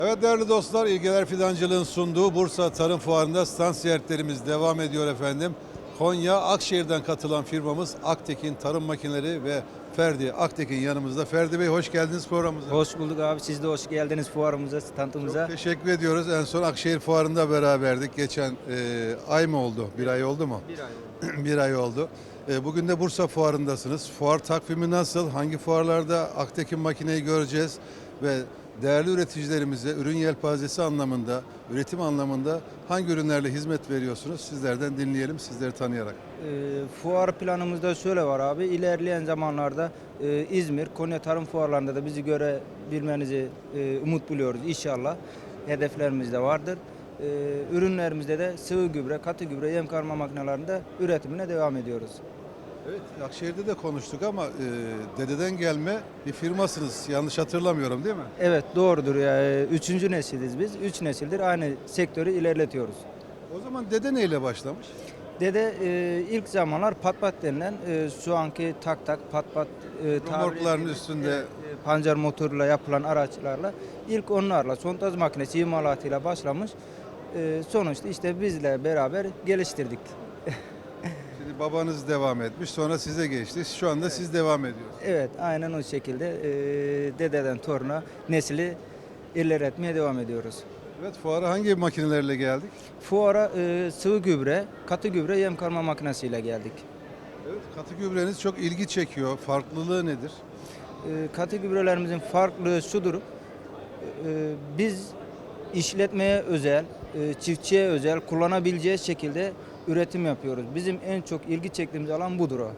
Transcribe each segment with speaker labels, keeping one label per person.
Speaker 1: Evet değerli dostlar, İlgeler Fidancılığın sunduğu Bursa Tarım Fuarı'nda stand ziyaretlerimiz devam ediyor efendim. Konya Akşehir'den katılan firmamız Aktekin Tarım Makineleri ve Ferdi Aktekin yanımızda. Ferdi Bey hoş geldiniz programımıza.
Speaker 2: Hoş bulduk abi. Siz de hoş geldiniz fuarımıza, standımıza.
Speaker 1: Çok teşekkür ediyoruz. En son Akşehir Fuarı'nda beraberdik. Geçen ay mı oldu? Bir ay oldu mu?
Speaker 2: Bir ay oldu.
Speaker 1: Bir ay oldu. Bugün de Bursa Fuarı'ndasınız. Fuar takvimi nasıl? Hangi fuarlarda Aktekin makineyi göreceğiz? Ve değerli üreticilerimize ürün yelpazesi anlamında, üretim anlamında hangi ürünlerle hizmet veriyorsunuz? Sizlerden dinleyelim, sizleri tanıyarak.
Speaker 2: Fuar planımızda şöyle var abi. İlerleyen zamanlarda İzmir, Konya Tarım Fuarlarında da bizi görebilmenizi umut buluyoruz inşallah. Hedeflerimiz de vardır. Ürünlerimizde de sıvı gübre, katı gübre, yem karma makinelerinde üretimine devam ediyoruz.
Speaker 1: Evet, Akşehir'de de konuştuk ama dededen gelme bir firmasınız. Yanlış hatırlamıyorum değil mi?
Speaker 2: Evet doğrudur ya. Üçüncü nesiliz biz. 3 nesildir aynı sektörü ilerletiyoruz.
Speaker 1: O zaman dede neyle başlamış?
Speaker 2: Dede ilk zamanlar pat denilen şu anki tak pat
Speaker 1: Remorkların üstünde
Speaker 2: pancar motoruyla yapılan araçlarla ilk onlarla sondaj makinesi imalatıyla başlamış. Sonuçta işte bizle beraber geliştirdik.
Speaker 1: şimdi babanız devam etmiş, sonra size geçti. Şu anda siz devam ediyorsunuz.
Speaker 2: Evet aynen o şekilde dededen toruna nesli ilerletmeye devam ediyoruz.
Speaker 1: Evet, fuara hangi makinelerle geldik?
Speaker 2: Fuara sıvı gübre, katı gübre, yem karma makinesiyle geldik.
Speaker 1: Evet, katı gübreniz çok ilgi çekiyor. Farklılığı nedir?
Speaker 2: Katı gübrelerimizin farklılığı şudur. Biz işletmeye özel, çiftçiye özel kullanabileceği şekilde üretim yapıyoruz. Bizim en çok ilgi çektiğimiz alan budur o.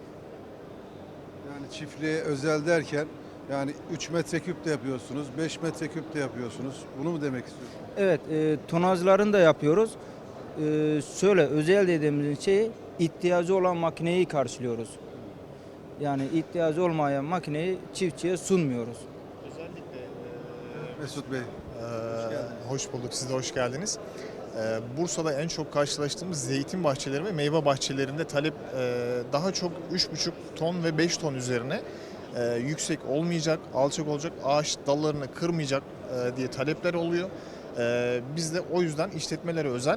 Speaker 1: Yani çiftliğe özel derken yani 3 metreküp de yapıyorsunuz, 5 metreküp de yapıyorsunuz. Bunu mu demek istiyorsunuz?
Speaker 2: Evet, tonajlarını da yapıyoruz. Şöyle özel dediğimiz şeyi ihtiyacı olan makineyi karşılıyoruz. Yani ihtiyacı olmayan makineyi çiftçiye sunmuyoruz.
Speaker 3: Özellikle
Speaker 1: Mesut Bey.
Speaker 3: hoş bulduk, siz de hoş geldiniz. Bursa'da en çok karşılaştığımız zeytin bahçeleri ve meyve bahçelerinde talep daha çok 3,5 ton ve 5 ton üzerine yüksek olmayacak, alçak olacak, ağaç dallarını kırmayacak diye talepler oluyor. Biz de o yüzden işletmelere özel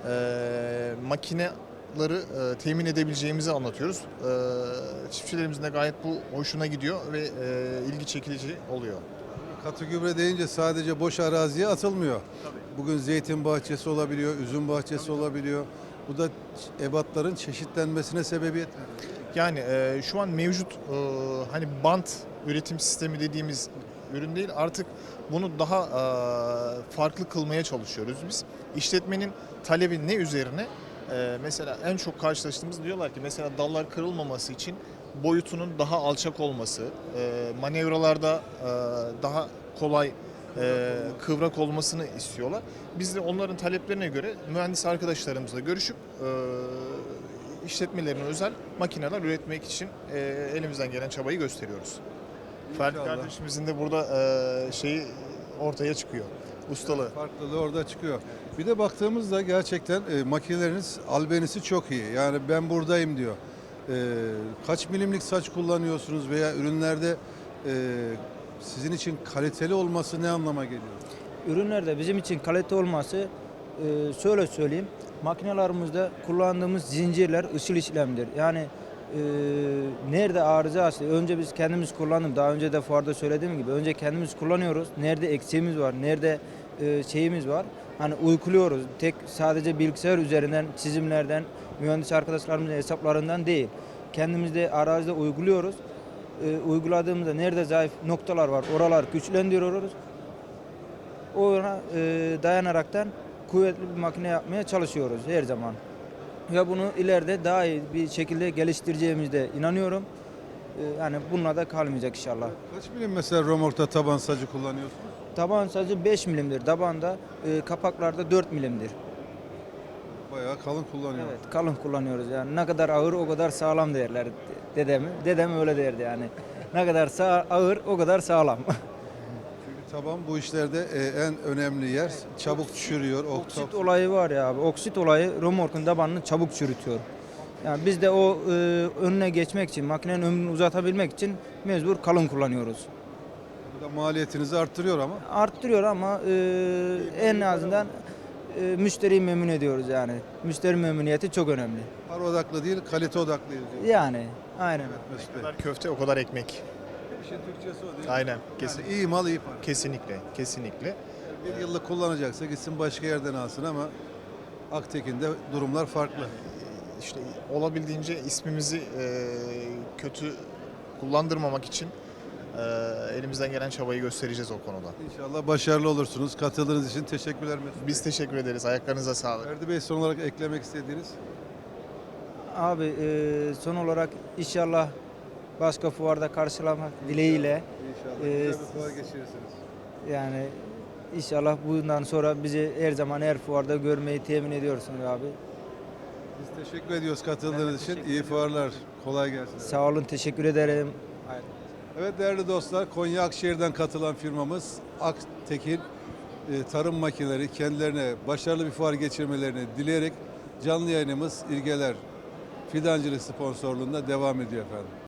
Speaker 3: makineleri temin edebileceğimizi anlatıyoruz. Çiftçilerimizin de gayet bu hoşuna gidiyor ve ilgi çekici oluyor.
Speaker 1: Katı gübre deyince sadece boş araziye atılmıyor. Bugün zeytin bahçesi olabiliyor, üzüm bahçesi olabiliyor. Bu da ebatların çeşitlenmesine sebebiyet veriyor.
Speaker 3: Yani şu an mevcut hani bant üretim sistemi dediğimiz ürün değil, artık bunu daha farklı kılmaya çalışıyoruz biz. İşletmenin talebi ne üzerine? Mesela en çok karşılaştığımız diyorlar ki mesela dallar kırılmaması için boyutunun daha alçak olması, manevralarda daha kolay kıvrak olmasını istiyorlar. Biz de onların taleplerine göre mühendis arkadaşlarımızla görüşüp işletmelerine özel makineler üretmek için elimizden gelen çabayı gösteriyoruz. Ferdi
Speaker 1: İnşallah.
Speaker 3: kardeşimizin de burada şeyi ortaya çıkıyor. Ustalığı.
Speaker 1: Farklılığı orada çıkıyor. Bir de baktığımızda gerçekten makineleriniz albenisi çok iyi. Yani ben buradayım diyor. Kaç milimlik saç kullanıyorsunuz veya ürünlerde sizin için kaliteli olması ne anlama geliyor?
Speaker 2: Ürünlerde bizim için kalite olması şöyle söyleyeyim. Makinelerimizde kullandığımız zincirler ışıl işlemdir. Yani nerede arıza açtı? Önce biz kendimiz kullandık. Daha önce de fuarda söylediğim gibi önce kendimiz kullanıyoruz. Nerede eksiğimiz var, nerede şeyimiz var. Hani uyguluyoruz. Tek sadece bilgisayar üzerinden, çizimlerden, mühendis arkadaşlarımızın hesaplarından değil. Kendimiz de arazide uyguluyoruz. Uyguladığımızda nerede zayıf noktalar var, oralar güçlendiriyoruz. Ona dayanaraktan kuvvetli bir makine yapmaya çalışıyoruz her zaman. Ve bunu ileride daha iyi bir şekilde geliştireceğimizde inanıyorum. Yani bununla da kalmayacak inşallah.
Speaker 1: Kaç milim mesela romorkta taban sacı kullanıyorsunuz?
Speaker 2: Taban sacı 5 milimdir. Tabanda kapaklarda 4 milimdir.
Speaker 1: Bayağı kalın kullanıyorsunuz.
Speaker 2: Evet, kalın kullanıyoruz yani. Ne kadar ağır o kadar sağlam derler dedemi. Dedem öyle derdi yani. Ne kadar ağır o kadar sağlam.
Speaker 1: Çünkü taban bu işlerde en önemli yer. Çabuk çürüyor.
Speaker 2: Oksit olayı var ya abi. Oksit olayı römorkun tabanını çabuk çürütüyor. Yani biz de o önüne geçmek için, makinenin ömrünü uzatabilmek için mecbur kalın kullanıyoruz.
Speaker 1: Bu da maliyetinizi arttırıyor ama.
Speaker 2: Arttırıyor ama en azından müşteriyi memnun ediyoruz yani. Müşteri memnuniyeti çok önemli.
Speaker 1: Para odaklı değil, kalite odaklıyız diyor.
Speaker 2: Yani aynen.
Speaker 1: Mesut
Speaker 3: Ne
Speaker 1: Bey.
Speaker 3: kadar köfte o kadar ekmek.
Speaker 1: İşin Türkçesi o değil mi?
Speaker 3: Aynen.
Speaker 1: Yani iyi mal iyi para.
Speaker 3: Kesinlikle. Kesinlikle.
Speaker 1: Bir yıllık kullanacaksa gitsin başka yerden alsın ama Aktekin'de durumlar farklı.
Speaker 3: İşte olabildiğince ismimizi kötü kullandırmamak için elimizden gelen çabayı göstereceğiz o konuda.
Speaker 1: İnşallah başarılı olursunuz. Katıldığınız için teşekkürler Mesut Bey.
Speaker 3: Biz teşekkür ederiz. Ayaklarınıza sağlık.
Speaker 1: Ferdi Bey son olarak eklemek istediğiniz?
Speaker 2: Abi son olarak inşallah başka fuarda karşılamak dileğiyle
Speaker 1: İnşallah
Speaker 2: Ee,
Speaker 1: güzel bir fuar geçirirsiniz.
Speaker 2: yani inşallah bundan sonra bizi her zaman her fuarda görmeyi temin ediyorsunuz abi.
Speaker 1: Biz teşekkür ediyoruz katıldığınız için. İyi fuarlar. Kolay gelsin.
Speaker 2: Sağ olun, teşekkür ederim.
Speaker 1: Evet değerli dostlar, Konya Akşehir'den katılan firmamız Aktekin Tarım Makineleri kendilerine başarılı bir fuar geçirmelerini dileyerek canlı yayınımız İlgeler Fidancılık sponsorluğunda devam ediyor efendim.